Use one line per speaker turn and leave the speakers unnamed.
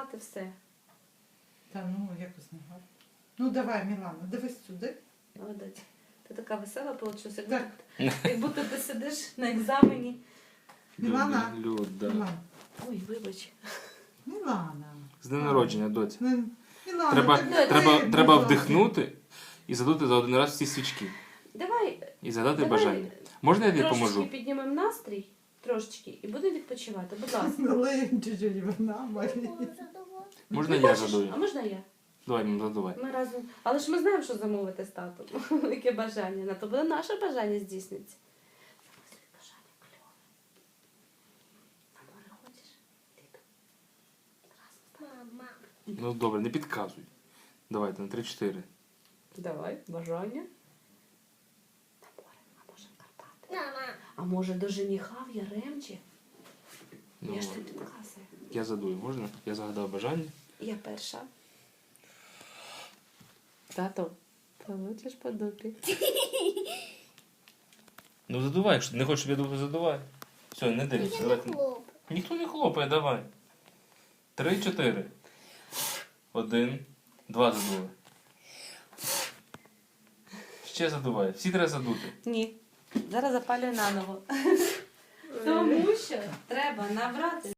задувати все.
Та ну якось не гарно. Ну давай, Мілана, дивись сюди.
Молодець. Ти така весела вийшла,
Так.
як будто ти сидиш на екзамені.
Мілана.
Люда.
Мілана.
Ой, вибач.
Мілана.
З днем народження, доць.
Мілана,
Треба,
так
треба,
ти,
треба
будь ласка.
вдихнути і задути за один раз всі свічки.
Давай,
І задати
давай
бажання. Можна я тобі
трошечки
поможу?
піднімемо настрій, трошечки, і будемо відпочивати. Будь ласка.
Налиємо чуть-чуть вина, Марія.
Можна
Ти
я
хочеш?
задую?
А можна я?
Давай, мам, задувай.
Ми разом. Але ж ми знаємо, що замовити з татом. Яке бажання. На то буде наше бажання здійсниться. Замислюй бажання кльове. На море хочеш? Ти
Мама.
Ну добре, не підказуй. Давайте на 3-4.
Давай, бажання. На море, а може в Карпати.
Мама.
А може до жениха в Яремчі?
Ну,
Я ж тобі підказую.
я задую, можна? Я загадав бажання.
Я перша. Тато, получиш по дупі.
Ну задувай, якщо ти не хочеш, щоб я думав, задувай. Все, не дивись. Давайте.
Хлоп.
Ніхто не хлопає, давай. 3-4. 1, 2 задули. Ще задувай. Всі треба задути.
Ні. Зараз запалюю наново. Тому що треба набрати